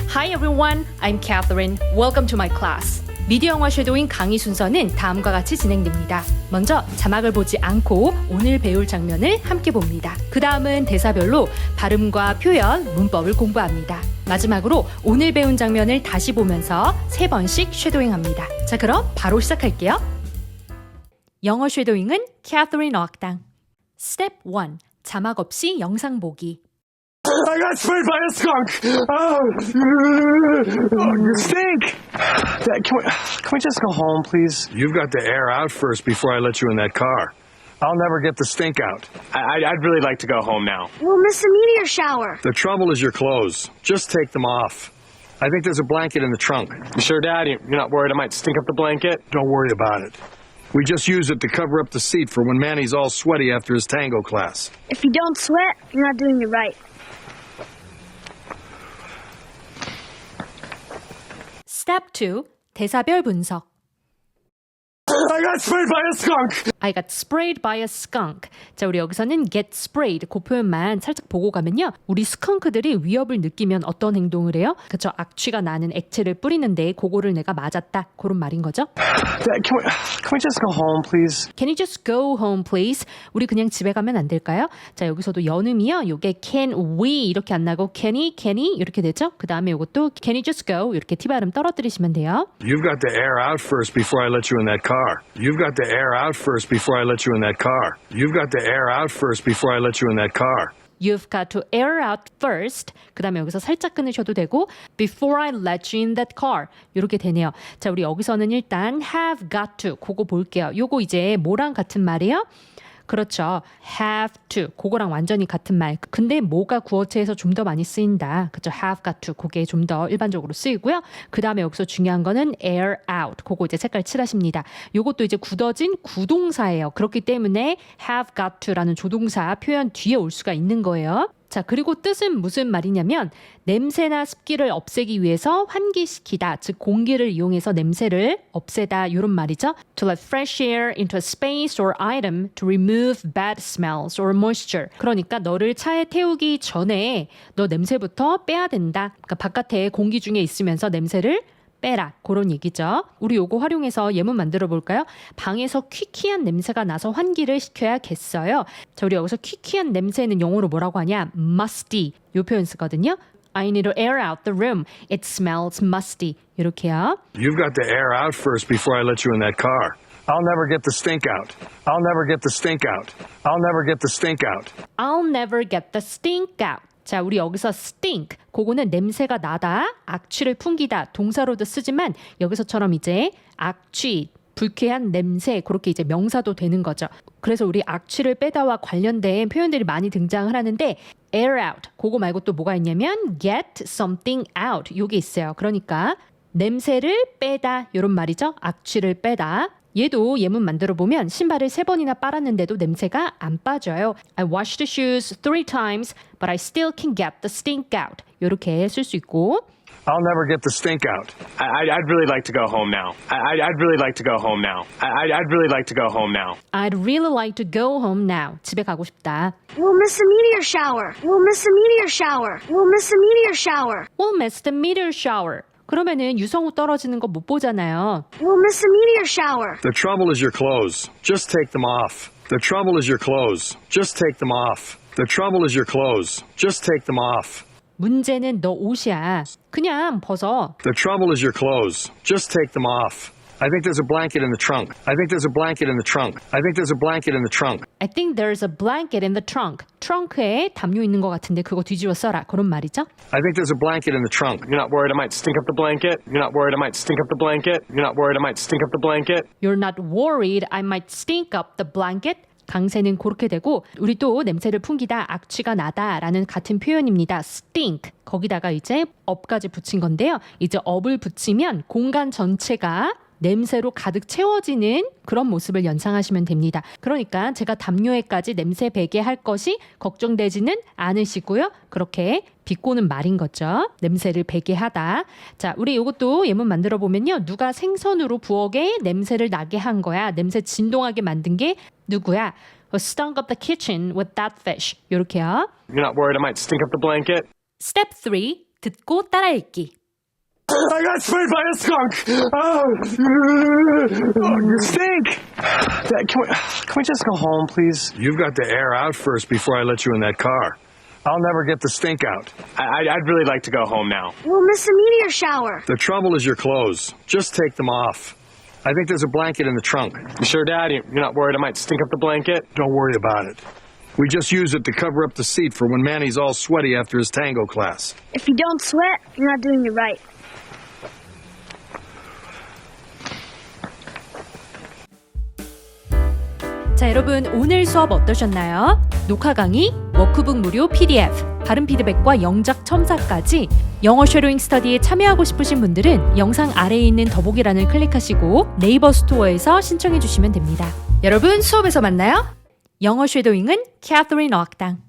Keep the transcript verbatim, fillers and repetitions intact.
Hi everyone, I'm Catherine. Welcome to my class. 미디어 영화 쉐도잉 강의 순서는 다음과 같이 진행됩니다. 먼저 자막을 보지 않고 오늘 배울 장면을 함께 봅니다. 그 다음은 대사별로 발음과 표현, 문법을 공부합니다. 마지막으로 오늘 배운 장면을 다시 보면서 세 번씩 쉐도잉합니다. 자, 그럼 바로 시작할게요. 영어 쉐도잉은 캐서린 어학당. 스텝 일. 자막 없이 영상 보기. I got sprayed by a skunk. Oh, you stink. Dad, can we can we just go home, please? You've got to air out first before I let you in that car. I'll never get the stink out. I, I'd really like to go home now. We'll miss the meteor shower. The trouble is your clothes. Just take them off. I think there's a blanket in the trunk. You sure, Dad? You're not worried I might stink up the blanket? Don't worry about it. We just use it to cover up the seat for when Manny's all sweaty after his tango class. If you don't sweat, you're not doing it right. 스텝 이. 대사별 분석. I got sprayed by a skunk. I got sprayed by a skunk. 자, 우리 여기서는 get sprayed 그 표현만 살짝 보고 가면요. 우리 스컹크들이 위협을 느끼면 어떤 행동을 해요? 그쵸, 악취가 나는 액체를 뿌리는데 그거를 내가 맞았다. 그런 말인 거죠. Dad, can we can we just go home, please? Can you just go home, please? 우리 그냥 집에 가면 안 될까요? 자, 여기서도 연음이요. 요게 can we 이렇게 안 나고 can he, can he 이렇게 되죠. 그 다음에 요것도 can you just go 이렇게 T 발음 떨어뜨리시면 돼요. You've got to air out first before I let you in that car. You've got to air out first before I let you in that car. You've got to air out first before I let you in that car. You've got to air out first. 그 다음에 여기서 살짝 끊으셔도 되고 before I let you in that car. 이렇게 되네요. 자, 우리 여기서는 일단 have got to 그거 볼게요. 요거 이제 뭐랑 같은 말이에요? 그렇죠. have to. 그거랑 완전히 같은 말. 근데 뭐가 구어체에서 좀 더 많이 쓰인다. 그렇죠. have got to. 그게 좀 더 일반적으로 쓰이고요. 그 다음에 여기서 중요한 거는 air out. 그거 이제 색깔 칠하십니다. 요것도 이제 굳어진 구동사예요. 그렇기 때문에 have got to라는 조동사 표현 뒤에 올 수가 있는 거예요. 자, 그리고 뜻은 무슨 말이냐면 냄새나 습기를 없애기 위해서 환기시키다, 즉 공기를 이용해서 냄새를 없애다 이런 말이죠. To let fresh air into a space or item to remove bad smells or moisture. 그러니까 너를 차에 태우기 전에 너 냄새부터 빼야 된다. 그러니까 바깥에 공기 중에 있으면서 냄새를 빼라. 그런 얘기죠. 우리 요거 활용해서 예문 만들어 볼까요? 방에서 퀴퀴한 냄새가 나서 환기를 시켜야겠어요. 자, 우리 여기서 퀴퀴한 냄새는 영어로 뭐라고 하냐? musty. 요 표현 쓰거든요. I need to air out the room. It smells musty. 이렇게요. You've got to air out first before I let you in that car. I'll never get the stink out. I'll never get the stink out. I'll never get the stink out. I'll never get the stink out. 자, 우리 여기서 stink, 그거는 냄새가 나다, 악취를 풍기다, 동사로도 쓰지만 여기서처럼 이제 악취, 불쾌한 냄새, 그렇게 이제 명사도 되는 거죠. 그래서 우리 악취를 빼다와 관련된 표현들이 많이 등장을 하는데 air out, 그거 말고 또 뭐가 있냐면 get something out, 요게 있어요. 그러니까 냄새를 빼다, 이런 말이죠. 악취를 빼다. 얘도 예문 만들어 보면 신발을 세 번이나 빨았는데도 냄새가 안 빠져요. I washed the shoes three times, but I still can get the stink out. 이렇게 쓸 수 있고. I'll never get the stink out. I, I'd really like to go home now. I, I'd really like to go home now. I, I'd really like to go home now. I'd really like to go home now. 집에 가고 싶다. We'll miss the meteor shower. We'll miss the meteor shower. We'll miss the meteor shower. We'll miss the meteor shower. 그러면은 유성우 떨어지는 거 못 보잖아요. We'll miss the meteor shower. The trouble is your clothes. Just take them off. The trouble is your clothes. Just take them off. The trouble is your clothes. Just take them off. 문제는 너 옷이야. 그냥 벗어. The trouble is your clothes. Just take them off. I think there's a blanket in the trunk. I think there's a blanket in the trunk. I think there's a blanket in the trunk. I think there's a blanket in the trunk. 트렁크에 담요 있는 것 같은데 그거 뒤집어 써라. 그런 말이죠. I think there's a blanket in the trunk. You're not worried I might stink up the blanket? You're not worried I might stink up the blanket? You're not worried I might stink up the blanket? You're not worried I might stink up the blanket? 강세는 그렇게 되고 우리 또 냄새를 풍기다, 악취가 나다라는 같은 표현입니다. stink. 거기다가 이제 up까지 붙인 건데요. 이제 up을 붙이면 공간 전체가 냄새로 가득 채워지는 그런 모습을 연상하시면 됩니다. 그러니까 제가 담요에까지 냄새 배게 할 것이 걱정되지는 않으시고요. 그렇게 비꼬는 말인 거죠. 냄새를 배게 하다. 자, 우리 이것도 예문 만들어 보면요. 누가 생선으로 부엌에 냄새를 나게 한 거야. 냄새 진동하게 만든 게 누구야? Who stunk up the kitchen with that fish. 이렇게요. You're not worried I might stink up the blanket? Step three. 듣고 따라 읽기. I got sprayed by a skunk. Oh, you stink. Dad, can we, can we just go home, please? You've got to air out first before I let you in that car. I'll never get the stink out. I, I'd really like to go home now. We'll miss the meteor shower. The trouble is your clothes. Just take them off. I think there's a blanket in the trunk. You sure, Dad? You- You're not worried I might stink up the blanket? Don't worry about it. We just use it to cover up the seat for when Manny's all sweaty after his tango class. If you don't sweat, you're not doing it right. 자, 여러분 오늘 수업 어떠셨나요? 녹화 강의, 워크북 무료 피디에프, 발음 피드백과 영작 첨삭까지 영어 쉐도잉 스터디에 참여하고 싶으신 분들은 영상 아래에 있는 더보기란을 클릭하시고 네이버 스토어에서 신청해 주시면 됩니다. 여러분 수업에서 만나요. 영어 쉐도잉은 캐서린 어학당.